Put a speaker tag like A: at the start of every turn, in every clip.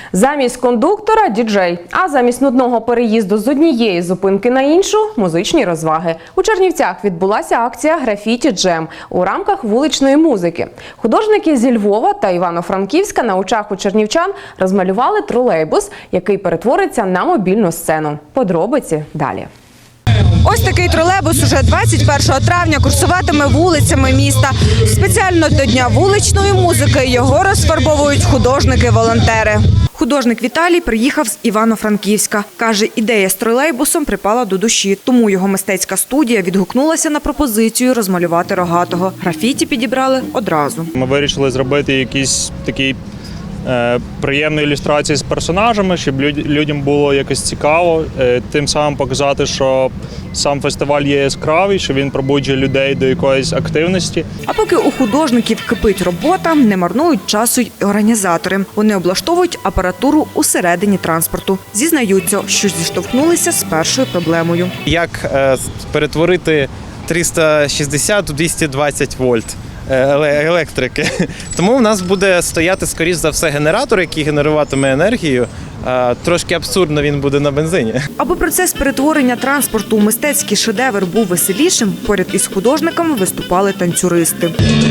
A: Замість кондуктора – діджей, а замість нудного переїзду з однієї зупинки на іншу – музичні розваги. У Чернівцях відбулася акція «Графіті Джем» у рамках вуличної музики. Художники зі Львова та Івано-Франківська на очах у чернівчан розмалювали тролейбус, який перетвориться на мобільну сцену. Подробиці далі.
B: Ось такий тролейбус уже 21 травня курсуватиме вулицями міста. Спеціально до Дня вуличної музики його розфарбовують художники-волонтери. Художник Віталій приїхав з Івано-Франківська. Каже, ідея з тролейбусом припала до душі, тому його мистецька студія відгукнулася на пропозицію розмалювати Рогатого. Графіті підібрали одразу.
C: Ми вирішили зробити якісь такі приємну ілюстрацію з персонажами, щоб людям було якось цікаво, тим самим показати, що сам фестиваль є яскравий, що він пробуджує людей до якоїсь активності.
B: А поки у художників кипить робота, не марнують часу й організатори. Вони облаштовують апаратуру усередині транспорту. Зізнаються, що зіштовхнулися з першою проблемою.
D: Як перетворити 360 у 220 вольт електрики. Тому в нас буде стояти, скоріш за все, генератор, який генеруватиме енергію. Трошки абсурдно він буде на бензині.
B: Аби процес перетворення транспорту у мистецький шедевр був веселішим, поряд із художниками виступали танцюристи.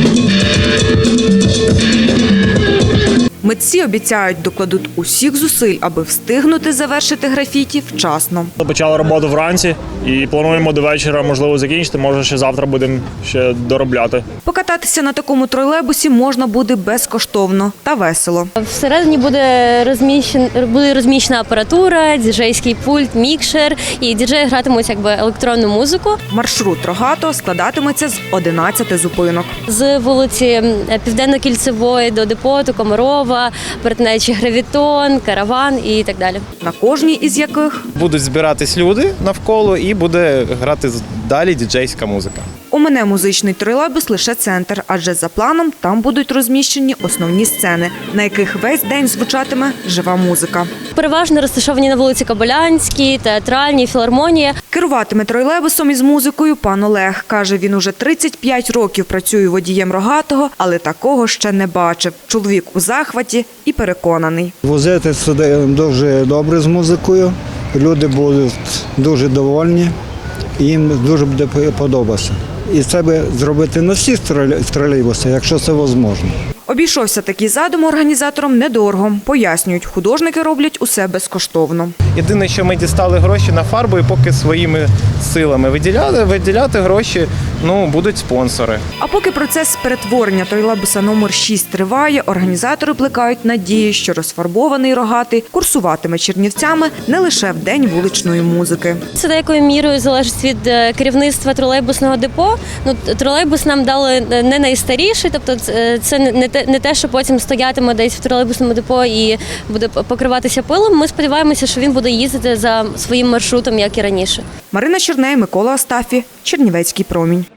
B: Митці обіцяють, докладуть усіх зусиль, аби встигнути завершити графіті вчасно.
C: Почали роботу вранці і плануємо до вечора, можливо, закінчити, може ще завтра будемо ще доробляти.
B: Покататися на такому тролейбусі можна буде безкоштовно та весело.
E: Всередині буде розміщена апаратура, діджейський пульт, мікшер, і діджеї гратимуть електронну музику.
B: Маршрут Рогатого складатиметься з 11 зупинок.
E: З вулиці Південно-Кільцевої до Депоту, Комарова, перетинаючи Гравітон, Караван і так далі.
B: На кожній із яких
D: будуть збиратись люди навколо і буде грати далі діджейська музика.
B: Омине музичний тролейбус лише центр, адже за планом там будуть розміщені основні сцени, на яких весь день звучатиме жива музика.
E: Переважно розташовані на вулиці Кобилянській, Театральній, Філармонія.
B: Керуватиме тролейбусом із музикою пан Олег. Каже, він уже 35 років працює водієм Рогатого, але такого ще не бачив. Чоловік у захваті і переконаний.
F: Возити сюди дуже добре з музикою, люди будуть дуже довольні, їм дуже буде подобатися. І це би зробити на всіх тролейбусах, якщо це можливо.
B: Обійшовся такий задум організаторам недорого. Пояснюють, художники роблять усе безкоштовно.
D: Єдине, що ми дістали гроші на фарбу і поки своїми силами виділяти гроші, будуть спонсори.
B: А поки процес перетворення тролейбуса номер 6 триває, організатори плекають надії, що розфарбований Рогатий курсуватиме Чернівцями не лише в день вуличної музики.
E: Це деякою мірою залежить від керівництва тролейбусного депо. Тролейбус нам дали не найстаріший, тобто це не те, що потім стоятиме десь в тролейбусному депо і буде покриватися пилом. Ми сподіваємося, що він буде їздити за своїм маршрутом, як і раніше.
B: Марина Черней, Микола Астафі, Чернівецький промінь.